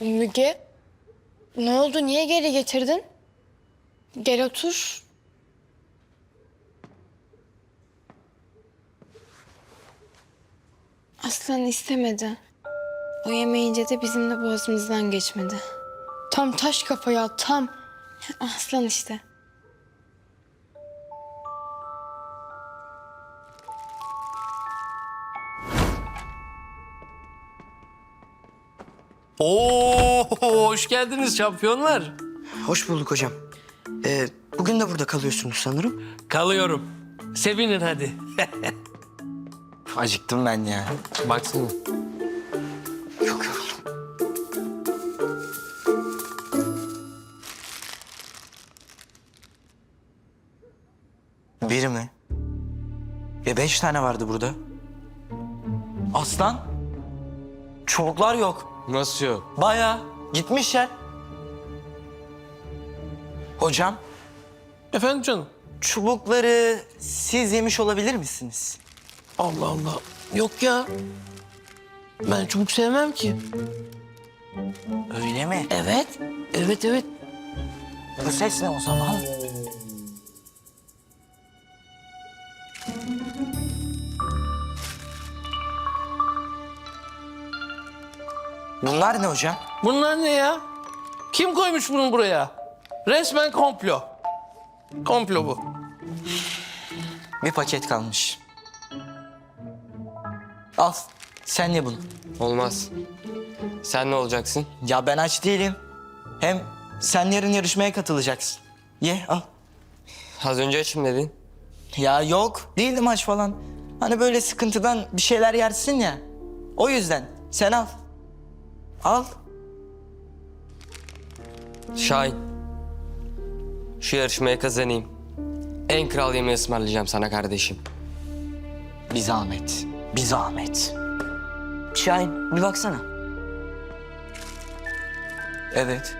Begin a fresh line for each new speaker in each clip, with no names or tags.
Müge, ne oldu? Niye geri getirdin? Gel otur. Aslan istemedi. O yemeyince de bizim de boğazımızdan geçmedi. Tam taş kafa ya, tam. Aslan işte.
Oo, hoş geldiniz şampiyonlar.
Hoş bulduk hocam. Bugün de burada kalıyorsunuz sanırım.
Kalıyorum. Sevinin hadi.
Acıktım ben ya.
Baksana.
Çok yoruldum. Biri mi? 5 tane vardı burada. Aslan. Çubuklar yok.
Nasıl yok?
Bayağı gitmişler. Hocam,
Efendim canım?
çubukları siz yemiş olabilir misiniz?
Allah Allah. Yok ya. Ben çubuk sevmem ki.
Öyle mi?
Evet. Evet.
Bu ses ne o zaman? Bunlar ne hocam?
Bunlar ne ya? Kim koymuş bunu buraya? Resmen komplo. Komplo bu.
Bir paket kalmış. Al, sen ye bunu.
Olmaz. Sen ne olacaksın?
Ya ben aç değilim. Hem sen yarın yarışmaya katılacaksın. Ye, al.
Az önce açım dedin.
Ya yok, değildim aç falan. Hani böyle sıkıntıdan bir şeyler yersin ya. O yüzden sen al. Al.
Şahin. Şu yarışmaya kazanayım. En kral yemeği ısmarlayacağım sana kardeşim.
Bir zahmet, bir zahmet. Şahin, bir baksana. Evet.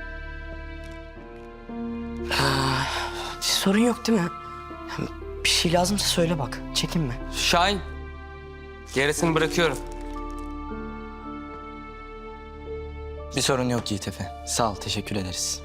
Sorun yok değil mi? Bir şey lazımsa söyle bak, çekinme.
Şahin. Gerisini bırakıyorum.
Bir sorun yok Yiğit Efe. Sağ ol, teşekkür ederiz.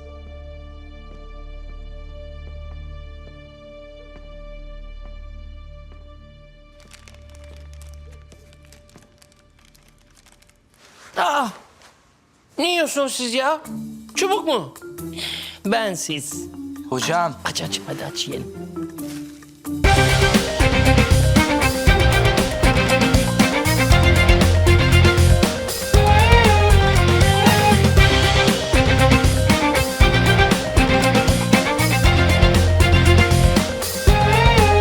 Ne yiyorsunuz siz ya? Çubuk mu? Ben siz.
Hocam,
Aç hadi aç yiyelim.